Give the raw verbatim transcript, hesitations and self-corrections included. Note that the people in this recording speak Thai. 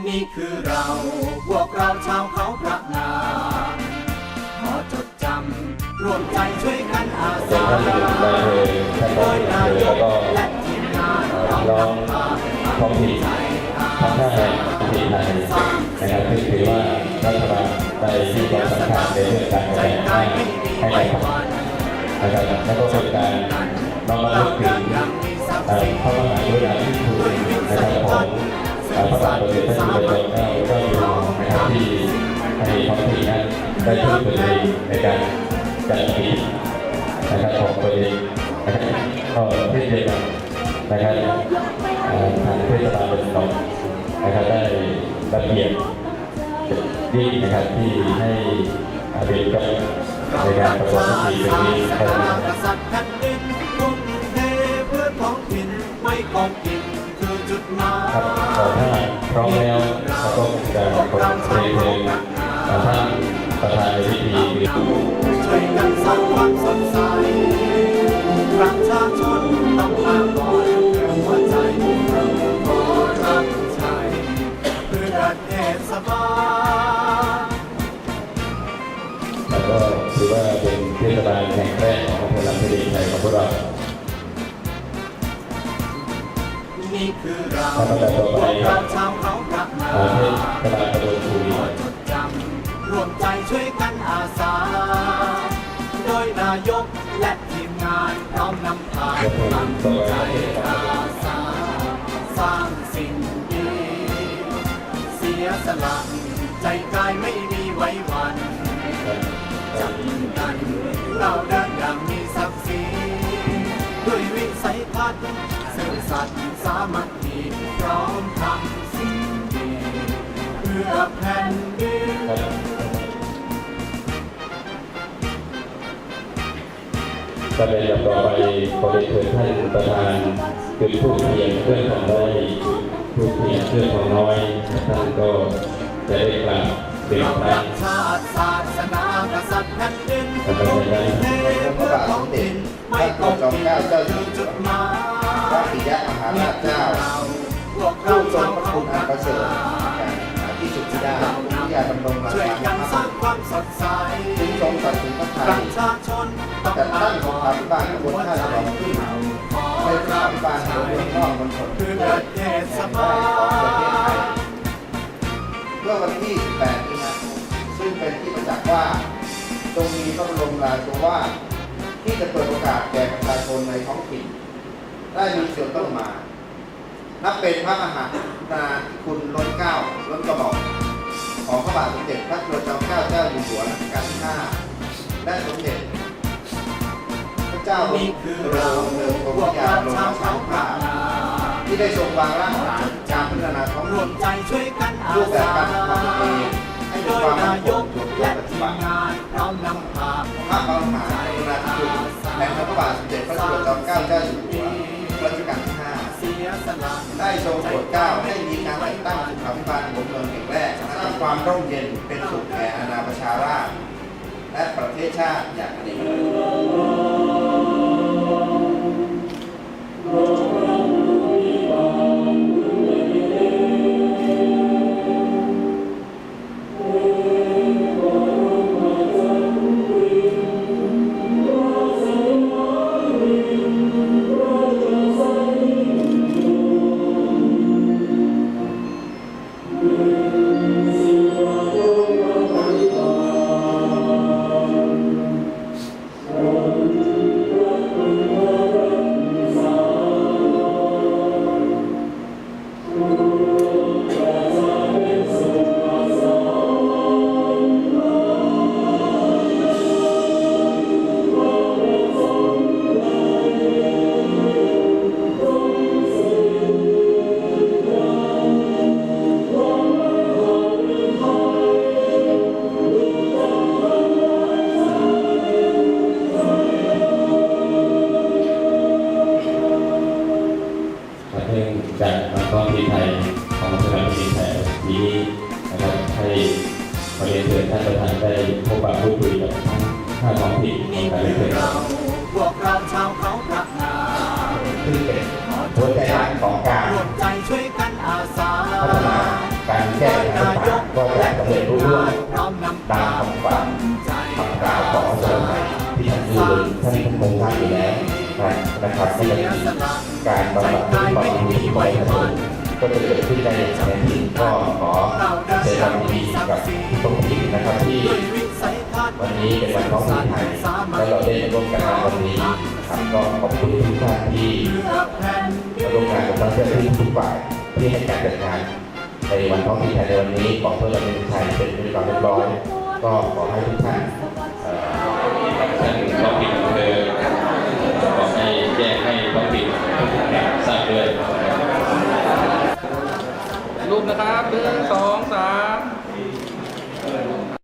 นี่คือเราพวกเราชาวเขาพระนามขอจดจำร่วมใจช่วยกันอาสาโดยนายกและทีมงานเรานำพาท้องถิ่นทั้งห้าแห่งที่ไทยนะครับซึ่งถือว่ารัฐบาลได้ที่ความสำคัญในเรื่องการแก้ไขให้ในนะครับแล้วก็เป็นการน้อมรำลึกถึงพระมหากรุณาธิคุณนะครับของพระบาทสมเด็จพระจุลจอมเกล้าเจ้าอยู่หัวนะครับที่ให้ท้องถิ่นนั้นได้พึ่งตนเองในการจัดกิจนะครับของตัวเองนะครับก็เช่นเดียวกันนะครับทางเทศบาลเป็นหนองนะครับได้ระเบียบดีนะครับที่ให้เด็กกับในการประกอบพิธีแบบนี้ให้กษัตริย์แผ่นดินทุ่มเทเพื่อท้องถิ่นไม่ของกินคือจุดหมายครับขอถ้าพร้อมแล้วเราก็จะกดเพลงเพลงท่านประธานในพิธีช่วยกันสร้างความสดใสประชาชนต้องมาก่อนเพื่อหัวใจเราขอรับใช้เพื่อประเทศสบายแล้วก็ถือว่าเป็นเทศบาลแห่งแรกของอำเภอลำพูนไทยของพวกเรานี่คือเราพวกเราชาวเขาพระนามเทศบาลตำบลภูมิจดจำร่วมใจช่วยกันอาสาโดยนายกและทีมงานพร้อมนำพาตั้งใจอาสาสร้างสิ่งดีเสียสละใจกายไม่มีไว้วันจับกันเราเดินอย่างมีศักดิ์ศรีด้วยวิสัยทัศน์ซื่อสัตย์สามัคคีพร้อมทำสิ่งดีเพื่อแผ่นดินก็เป็นลำต่อไปขอเรียนเชิญท่านประธานจุดธูปเทียนเพื่อนของน้อยธูปเทียนเพื่อนของน้อยท่านก็จะได้กล่าวเป็นพระชาติศาสนากษัตริย์แผ่นดินทุ่มเทเพื่อท้องถิ่นไม่ต้องกินคือจุดหมายพระปิยมหาราชเจ้าผู้ทรงพระคุณอันประเสริฐที่สุดที่ได้ที่ยาดำรงราชาภิบาลจึงทรงตัดสินพระทัยแต่ตั้งสงครามพิบาลบนท่าฉลองขึ้นในพระพิบาลบนเมืองนอกบนถนนแห่งแรกของประเทศไทยเมื่อวันที่สิบแปดมีนาคมซึ่งเป็นที่ประจักษ์ว่าทรงมีพระบรมราโชวาทที่จะเปิดโอกาสแก่ประชาชนในท้องถิ่นได้มีส่วนต้องมานับเป็นพระมหากรุณาธิคุณล้นเกล้าล้นกระหม่อมของพระบาทสมเด็จพระจุลจอมเกล้าเจ้าอยู่หัวรัชกาลที่ห้าและสมเด็จพระเจ้าอยู่หัวเมืองกรมยาลงมาสังฆาที่ได้ทรงวางรากฐานการพัฒนาท้องถิ่นรูปแบบการทำงานให้มีความมั่นคงและปฏิบัติพระมหากรุณาธิคุณแห่งพระบาทสมเด็จพระจุลจอมเกล้าเจ้าอยู่หัวรัชกาลที่ห้าได้ทรงโปรดเกล้าให้มีการแต่งตั้งสุขาภิบาลบนเมืองแห่งแรกสร้างความร่มเย็นเป็นสุขแก่อาณาประชาราษฎร์และประเทศชาติอย่างอเนกจากท้องถิ่นไทยของสถานที่ไทยนี้นะครับให้ขอเรียนเชิญท่านประธานได้พบปะพูดคุยกับทั้งห้าท้องถิ่นของการเรียนเชิญพวกเราชาวเขาพระนามคือเป็นหัวใจหลักของการร่วมใจช่วยกันอาสาพัฒนาการแก้ปัญหาต่างๆก็จะสำเร็จรุ่งเรืองพร้อมนำตามคำฝันคำกล่าวของสมเด็จที่ท่านยืนท่านคงท่านอยู่แล้วนะครับไม่ได้มีการบำบัดทุกข์บำรุงที่ประชาชนก็จะเกิดขึ้นในแผ่นดินก็ขอแสดงความยินดีกับทุกคนที่นะครับที่วันนี้เป็นวันท้องถิ่นไทยและเราได้ร่วมกันในวันนี้ครับก็ขอบคุณทุกท่านที่มาร่วมงานกับทั้งเจ้าหน้าที่ทุกฝ่ายที่ให้การจัดงานในวันท้องถิ่นไทยในวันนี้ของเพื่อประเทศไทยเป็นที่เรียบร้อยก็ขอให้ทุกท่านท่านท้องถิ่นอำเภอขอให้แจ้งให้ท้องถิ่นทราบด้วยรูปนะครับหนึ่งสองสาม